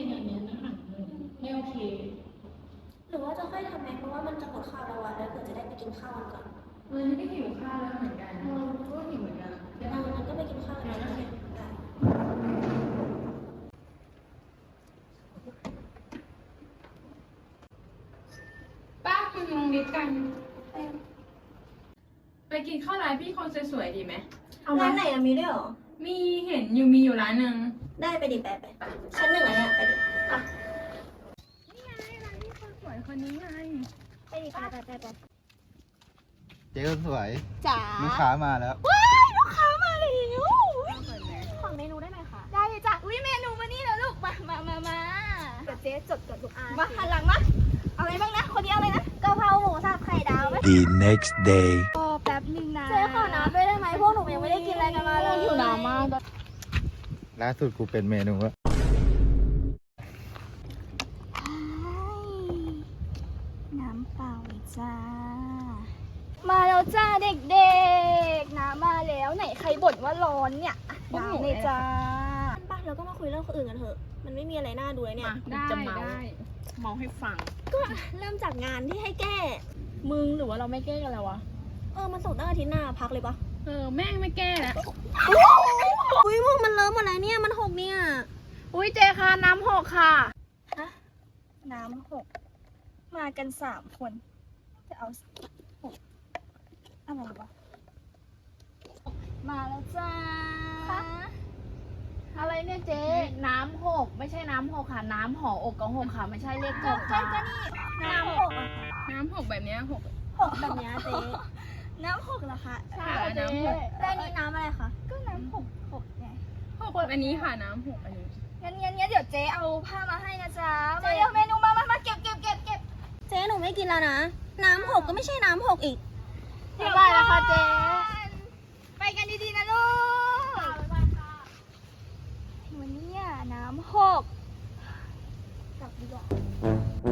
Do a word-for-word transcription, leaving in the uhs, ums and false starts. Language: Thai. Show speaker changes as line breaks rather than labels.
อย่างเงี้ยอาหารไม่โอเค
หรือว่าจะค่อยทำไหมเพราะว่ามันจะหมดข้าวแล้วอะแล้วเผื่อจะได้ไปกินข้าวกันก่อน
เออไม่หิวข้าวแล้วเหมือนกันเออก็หิวเหมือนกัน
เอองั้นก็ไปกินข้าวกันได้ได้
ป้าคุณลงลิฟต์กันไปกินข้าวร้านพี่คนสวยๆดีไหมเอาร้า
ร้านไหนอะมีด้วยเหรอ
มีเห็นอยู่มีอยู่ร้านหนึ่ง
ได้ไปดิไปไปชั้นหนึ่งอะเนี่ยไปดิ
อ่ะนี่ไงร้านพี่คนสวยคนนี้ไง
ไปดิไปไปไปไป
เจ๊คนสวย
จ๋า
ลูกค้ามาแล้ว
ว้ายลูกค้ามาแล้วขอเมนูได้ไหมคะได้เลยจ้ะอุ้ยเมนูมานี่แล้วลูกมามามามาเดี๋ยวเจ๊จดก่อนลูกอามาหันหลังมาเอาอะไรบ้างนะคนนี้เอาอะไรนะกะเพราหมูสับไข่ดาวไหม
The next day
รอแป๊บนึงนะเจ๊ขอน้ำด้วยได้ไหมพวกหนูยังไม่ได้กินอะไรกันมาเลย
หิวน้ำมาก
ล่าสุดกูเป็นเมนูแล้ว
น้ำเปล่าจ้ามาแล้วจ้าเด็กๆน้ำมาแล้วไหนใครบ่นว่าร้อนเนี่ยน้ำเลยจ้าป่ะเราก็มาคุยเรื่องคนอื่นกันเถอะมันไม่มีอะไรน่าดูเลยเนี่ย
ได้ได้เมาให้ฟัง
ก็เริ่มจากงานที่ให้แก้
มึงหรือว่าเราไม่แก้กันแล้ววะ
เออมันส่งตั้งอาทิตย์หน้าพักเลยปะ
เออแม่งไม่แก้แล้ว
อุ้ยมึงมันเริ่มหมดแล้วเนี่ยมันหกเนี่ย
อุ้ยเจค่ะน้ำหกค่ะ
ฮะน้ำหกมากันสามคนจะเอาหกอะไรวะมาแล้วจ้า
อะไรเนี่ยเจ๊น้ำหกไม่ใช่น้ำหกค่ะน้ำหออกกับหกค่ะไม่ใช่เลขหกค่ะ
ก็นี่น้ำหกอะ
น้ำหกแบบนี้หก
หกแบบนี้เจ๊น้ำหกเหรอคะ
ใช่น้ำหก
แล้วนี่น้ำอะไรคะก็น้ำหกหกไง
หกอันนี้ค่ะน้ำหกอันนี้
งั้นงั้นงั้นเดี๋ยวเจ๊เอาผ้ามาให้นะจ๊ะมาเดี๋ยวเมนูมามามาเก็บเก็บเก็บเก็บเจ๊หนูไม่กินแล้วนะน้ำหกก็ไม่ใช่น้ำหกอีก
เดี๋ยวไปแล้วค่ะเจ๊
ไปกันดีๆนะลูกวันนี้น้ำหกกลับดีกว่า